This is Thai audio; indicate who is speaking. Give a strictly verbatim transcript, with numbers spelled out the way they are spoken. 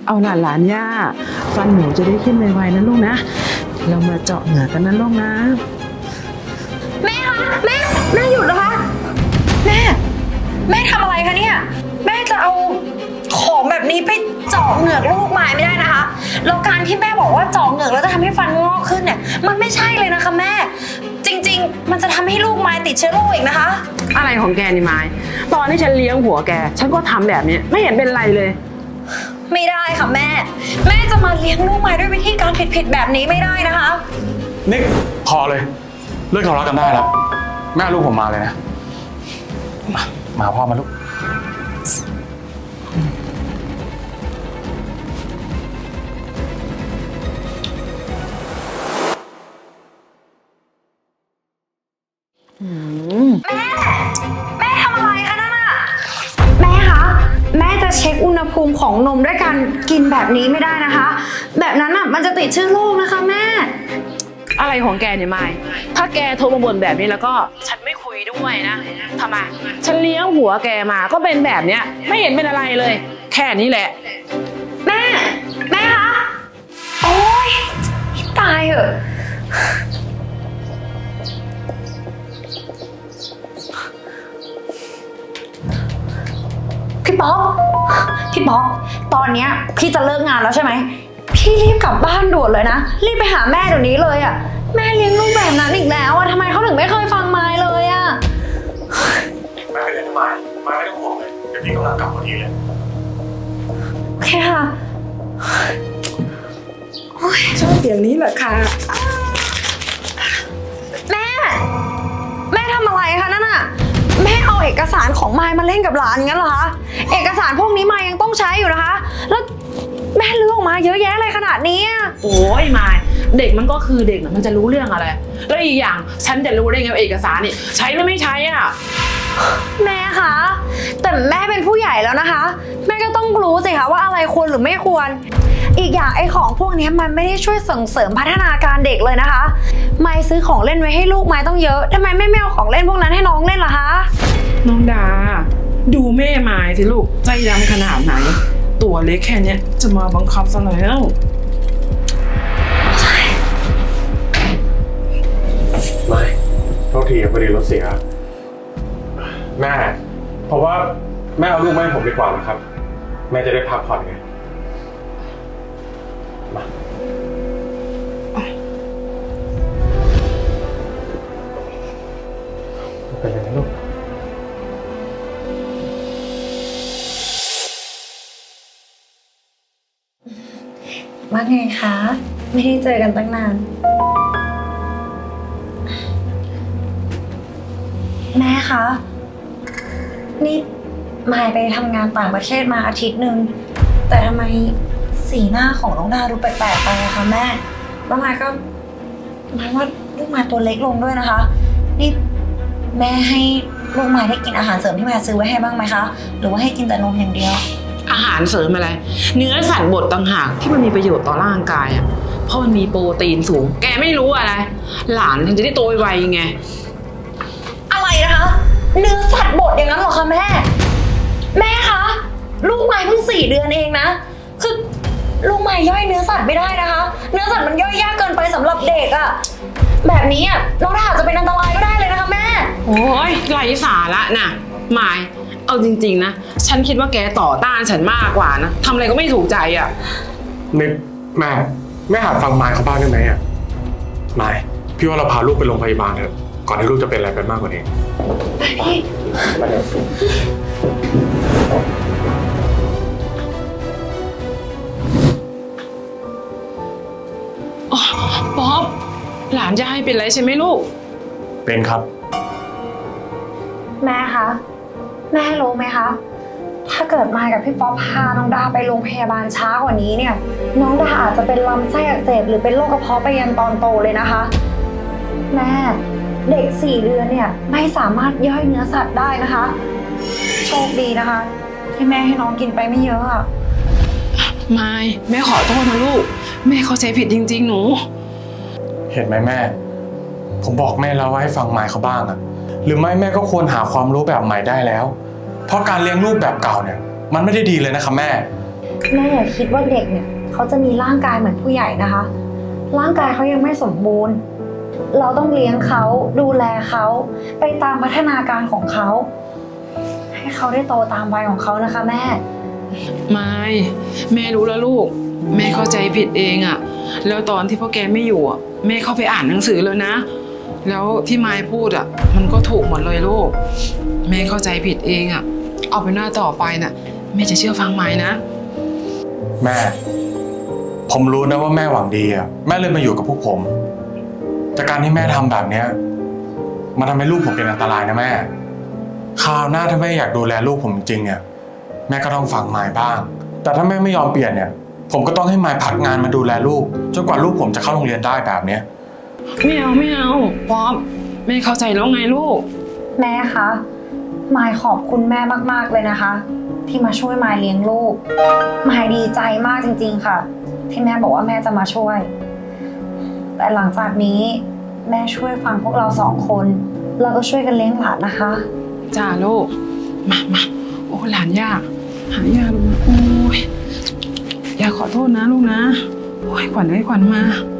Speaker 1: เอาหลานหลานย่าฟันหนูจะได้ขึ้นไวๆนะลูกนะเรามาเจาะเหงือกกันนะลูกนะ
Speaker 2: แม่คะแม่แม่หยุดนะคะแม่แม่ทำอะไรคะเนี่ยแม่จะเอาของแบบนี้ไปเจาะเหงือกลูกไม้ไม่ได้นะคะแล้วการที่แม่บอกว่าเจาะเหงือกแล้วจะทำให้ฟันงอกขึ้นเนี่ยมันไม่ใช่เลยนะคะแม่จริงๆมันจะทำให้ลูกไม้ติดเชื้อโรคอีกนะคะ
Speaker 1: อะไรของแกนี่ไม้ตอนที่ฉันเลี้ยงหัวแกฉันก็ทำแบบนี้ไม่เห็นเป็นไรเลย
Speaker 2: ไม่ได้ค่ะแม่แม่จะมาเลี้ยงลูกไม้ด้วยวิธีการผิดๆแบบนี้ไม่ได้นะคะ
Speaker 3: นิกพอเลยเลิกทะเลาะกันได้แล้วแม่ลูกผมมาเลยนะมามาพ่อมาลูก
Speaker 2: แม่แม่ทำอะไรคะนั่นน่ะแม่คะแม่จะเช็คอุณหภูมิของนมด้วยการกินแบบนี้ไม่ได้นะคะแบบนั้นอ่ะมันจะติดเชื้อโรคนะคะแม่
Speaker 1: อะไรของแกเนี่ยไม้ถ้าแกโทรมาบ่นแบบนี้แล้วก็ฉันไม่คุยด้วยนะทำไมฉันเลี้ยงหัวแกมาก็เป็นแบบเนี้ยไม่เห็นเป็นอะไรเลยแค่นี้แหละ
Speaker 2: แม่แม่คะโอ๊ยตายเหอะพี่ป๊อกพี่ป๊อกตอนเนี้ยพี่จะเลิกงานแล้วใช่ไหมพี่รีบกลับบ้านด่วนเลยนะรีบไปหาแม่เดี๋ยวนี้เลยอ่ะแม่เลี้ยงลูกแบบนั้นอีกแล้วอ่ะทำไมเขาถึงไม่เคยฟังไม้เลยอ่ะ
Speaker 3: แม่ไปเรียนทำไมไม่ไม่ต้องห่วงเลยเดี๋ยวพี่กำลังกลับพอดีเลย
Speaker 2: โอเคค่ะ
Speaker 1: ชอบเสียงนี้เหรอคะ
Speaker 2: แม่แม่ทำอะไรคะนั่นน่ะแม่เอาเอกสารของมายมาเล่นกับหลานงั้นเหรอคะเอกสารพวกนี้มายยังต้องใช้อยู่นะคะแล้วแม่เลือกออกมาเยอะแยะเลยขนาดนี้
Speaker 1: โอ้ยมายเด็กมันก็คือเด็กนะมันจะรู้เรื่องอะไรแล้วอีกอย่างฉันจะรู้ได้ไงว่าเอกสารนี่ใช้หรือไม่ใช้อ่ะ
Speaker 2: แม่คะแต่แม่เป็นผู้ใหญ่แล้วนะคะแม่ก็ต้องรู้สิคะว่าอะไรควรหรือไม่ควรอีกอย่างไอ้ของพวกนี้มันไม่ได้ช่วยส่งเสริมพัฒนาการเด็กเลยนะคะมายซื้อของเล่นไว้ให้ลูกมายต้องเยอะทำไมแม่ไม่เอาของเล่นพวกนั้นให้น้องเล่นล่ะคะ
Speaker 1: น้องดาดูแม่มายสิลูกใจดำขนาดไหนตัวเล็กแค่นี้จะมาบังคับซะแล้ว
Speaker 3: ไม่โทษทีพอดีรถเสียแม่เพราะว่าแม่เอาลูกมาให้ผมดีกว่านะครับแม่จะได้พักผ่อนไงมาเป็นยังไงลูก
Speaker 2: ว่าไงคะไม่ได้เจอกันตั้งนานแม่คะนี่มายไปทำงานต่างประเทศมาอาทิตย์หนึ่งแต่ทำไมสีหน้าของน้องดาดูแปลกๆไปอะคะแม่แล้วมายก็หมายว่าลูกมายตัวเล็กลงด้วยนะคะนี่แม่ให้ลูกมายได้กินอาหารเสริมที่มายซื้อไว้ให้บ้างไหมคะหรือว่าให้กินแต่นมอย่างเดียว
Speaker 1: อาหารเสริมอะไรเนื้อสัตว์บดต่างหากที่มันมีประโยชน์ต่อร่างกายอ่ะเพราะมันมีโปรตีนสูงแกไม่รู้อะไรหลานมันจะได้โตไวๆไง
Speaker 2: อะไรนะคะเนื้อสัตว์บดอย่างนั้นเหรอคะแม่แม่คะลูกไม้เพิ่งสี่เดือนเองนะคือลูกไม้ย่อยเนื้อสัตว์ไม่ได้นะคะเนื้อสัตว์มันย่อยยากเกินไปสำหรับเด็กอะแบบนี้อะน้องดาอาจจะเป็นอันตรายก็ได้เลยนะคะแม่
Speaker 1: โอ้ยไร้สาระน่ะหมายเอาจริงๆนะฉันคิดว่าแกต่อต้านฉันมากกว่านะทำอะไรก็ไม่ถูกใจอ่ะ
Speaker 3: นิกแม่แม่หัดฟังมายเขาบ้างได้ไหมอ่ะมายพี่ว่าเราพาลูกไปโรงพยาบาลเถอะก่อนที่ลูกจะเป็นอะไรไปมากกว่านี้มาเดี๋ยว
Speaker 1: ป๊อปหลานจะให้เป็นไรใช่ไหมลูก
Speaker 3: เป็นครับ
Speaker 2: แม่คะแม่รู้ไหมคะถ้าเกิดมายกับพี่ป๊อปพาน้องดาไปโรงพยาบาลช้ากว่านี้เนี่ยน้องดาอาจจะเป็นลำไส้อักเสบหรือเป็นโรคกระเพาะไปยันตอนโตเลยนะคะแม่เด็กสี่เดือนเนี่ยไม่สามารถย่อยเนื้อสัตว์ได้นะคะโชคดีนะคะที่แม่ให้น้องกินไปไม่เยอะอะ
Speaker 1: ไม่แม่ขอโทษนะลูกแม่เข้าใจผิดจริงๆหนู
Speaker 3: เห็นไหมแม่ผมบอกแม่แล้วว่าให้ฟังมายเขาบ้างอะหรือไม่แม่ก็ควรหาความรู้แบบใหม่ได้แล้วเพราะการเลี้ยงลูกแบบเก่าเนี่ยมันไม่ได้ดีเลยนะครับแม่
Speaker 2: แม่อย่าคิดว่าเด็กเนี่ยเขาจะมีร่างกายเหมือนผู้ใหญ่นะคะ ร่างกายเขายังไม่สมบูรณ์ เราต้องเลี้ยงเขาดูแลเขาไปตามพัฒนาการของเขา ให้เขาได้โตตามวัยของเขานะคะแม่
Speaker 1: ไม่แม่รู้แล้วลูก แม่เข้าใจผิดเองอะแล้วตอนที่พ่อแกไม่อยู่อะแม่เข้าไปอ่านหนังสือแล้วนะ แล้วที่มายพูดอะมันก็ถูกหมดเลยลูก แม่เข้าใจผิดเองอะเอาเป็นหน้าต่อไปน่ะแม่จะเชื่อฟังมายนะ
Speaker 3: แม่ ผมรู้นะว่าแม่หวังดีอ่ะแม่เลยมาอยู่กับพวกผมแต่การที่แม่ทำแบบเนี้ยมันทำให้ลูกผมเป็นอันตรายนะแม่คราวหน้าถ้าแม่อยากดูแลลูกผมจริงเนี่ยแม่ก็ต้องฟังมายบ้าง แต่ถ้าแม่ไม่ยอมเปลี่ยนเนี่ยผมก็ต้องให้มายพักงานมาดูแลลูกจนกว่าลูกผมจะเข้าโรงเรียนได้แบบเนี้ย
Speaker 1: ไม่เอาไม่เอาป๊อปแม่เข้าใจแล้วไงลูก
Speaker 2: แม่คะมายขอบคุณแม่มากๆเลยนะคะ ที่มาช่วยมายเลี้ยงลูกมายดีใจมากจริงๆค่ะ ที่แม่บอกว่าแม่จะมาช่วย แต่หลังจากนี้แม่ช่วยฟังพวกเราสองคนเราก็ช่วยกันเลี้ยงหลานนะคะ
Speaker 1: จ้าลูกมามาโอ้หลานยากหายากลูกโอ้ยอยากขอโทษนะลูกนะโอ้ยขวัญเอ้ยขวัญมา